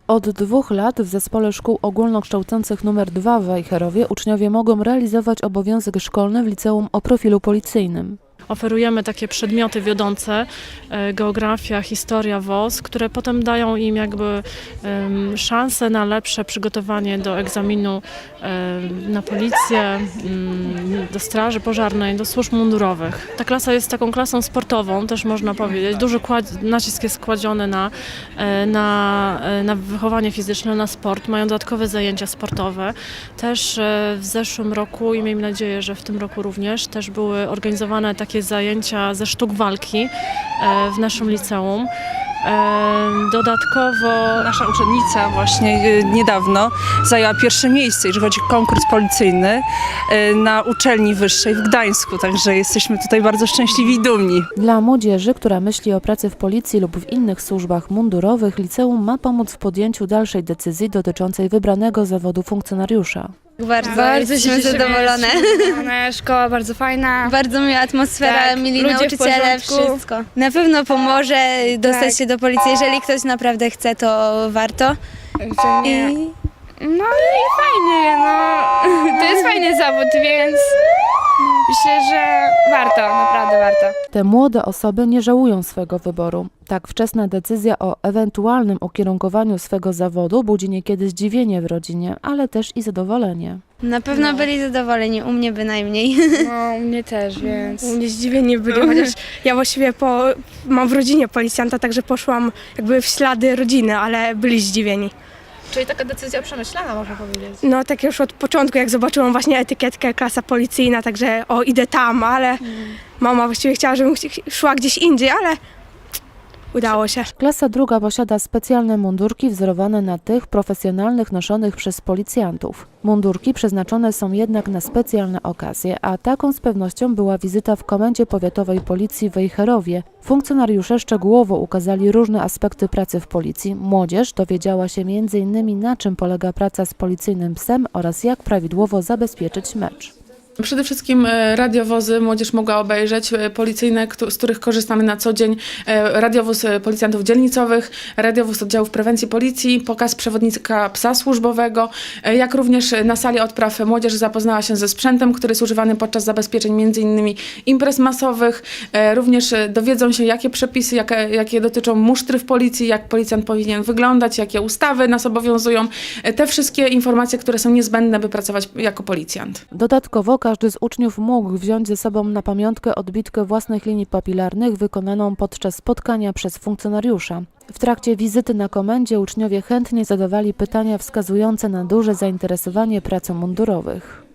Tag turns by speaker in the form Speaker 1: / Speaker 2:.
Speaker 1: Od 2 lat w Zespole Szkół Ogólnokształcących nr 2 w Wejherowie uczniowie mogą realizować obowiązek szkolny w liceum o profilu policyjnym.
Speaker 2: Oferujemy takie przedmioty wiodące, geografia, historia, WOS, które potem dają im jakby szansę na lepsze przygotowanie do egzaminu na policję, do straży pożarnej, do służb mundurowych. Ta klasa jest taką klasą sportową, też można powiedzieć. Duży nacisk jest kładziony na wychowanie fizyczne, na sport. Mają dodatkowe zajęcia sportowe. Też w zeszłym roku i miejmy nadzieję, że w tym roku również też były organizowane takie zajęcia ze sztuk walki w naszym liceum. Dodatkowo
Speaker 3: Nasza uczennica właśnie niedawno zajęła pierwsze miejsce, jeżeli chodzi o konkurs policyjny na uczelni wyższej w Gdańsku, także jesteśmy tutaj bardzo szczęśliwi i dumni.
Speaker 1: Dla młodzieży, która myśli o pracy w policji lub w innych służbach mundurowych, liceum ma pomóc w podjęciu dalszej decyzji dotyczącej wybranego zawodu funkcjonariusza.
Speaker 4: Bardzo jesteśmy zadowolone.
Speaker 5: Szkoła bardzo fajna.
Speaker 4: Bardzo miła atmosfera,
Speaker 5: Tak,
Speaker 4: mili
Speaker 5: ludzie w
Speaker 4: nauczyciele,
Speaker 5: porządku.
Speaker 4: wszystko. Na pewno pomoże dostać się do policji. Jeżeli ktoś naprawdę chce, to warto.
Speaker 5: No i fajnie, no. To jest fajny zawód, więc myślę, że warto, naprawdę warto.
Speaker 1: Te młode osoby nie żałują swego wyboru. Tak wczesna decyzja o ewentualnym ukierunkowaniu swego zawodu budzi niekiedy zdziwienie w rodzinie, ale też i zadowolenie.
Speaker 4: Na pewno byli zadowoleni, u mnie bynajmniej.
Speaker 5: No, u mnie też, więc...
Speaker 6: U mnie zdziwieni byli, chociaż ja właściwie mam w rodzinie policjanta, także poszłam jakby w ślady rodziny, ale byli zdziwieni.
Speaker 7: Czyli taka decyzja przemyślana, można powiedzieć.
Speaker 6: No tak już od początku, jak zobaczyłam właśnie etykietkę klasa policyjna, także idę tam, ale mama właściwie chciała, żebym szła gdzieś indziej, ale udało się.
Speaker 1: Klasa druga posiada specjalne mundurki wzorowane na tych profesjonalnych noszonych przez policjantów. Mundurki przeznaczone są jednak na specjalne okazje, a taką z pewnością była wizyta w Komendzie Powiatowej Policji w Wejherowie. Funkcjonariusze szczegółowo ukazali różne aspekty pracy w policji. Młodzież dowiedziała się m.in. na czym polega praca z policyjnym psem oraz jak prawidłowo zabezpieczyć mecz.
Speaker 8: Przede wszystkim radiowozy młodzież mogła obejrzeć, policyjne, z których korzystamy na co dzień, radiowóz policjantów dzielnicowych, radiowóz oddziałów prewencji policji, pokaz przewodnika psa służbowego, jak również na sali odpraw młodzież zapoznała się ze sprzętem, który jest używany podczas zabezpieczeń m.in. imprez masowych. Również dowiedzą się, jakie przepisy, jakie dotyczą musztry w policji, jak policjant powinien wyglądać, jakie ustawy nas obowiązują. Te wszystkie informacje, które są niezbędne, by pracować jako policjant.
Speaker 1: Dodatkowo każdy z uczniów mógł wziąć ze sobą na pamiątkę odbitkę własnych linii papilarnych wykonaną podczas spotkania przez funkcjonariusza. W trakcie wizyty na komendzie uczniowie chętnie zadawali pytania wskazujące na duże zainteresowanie pracą mundurowych.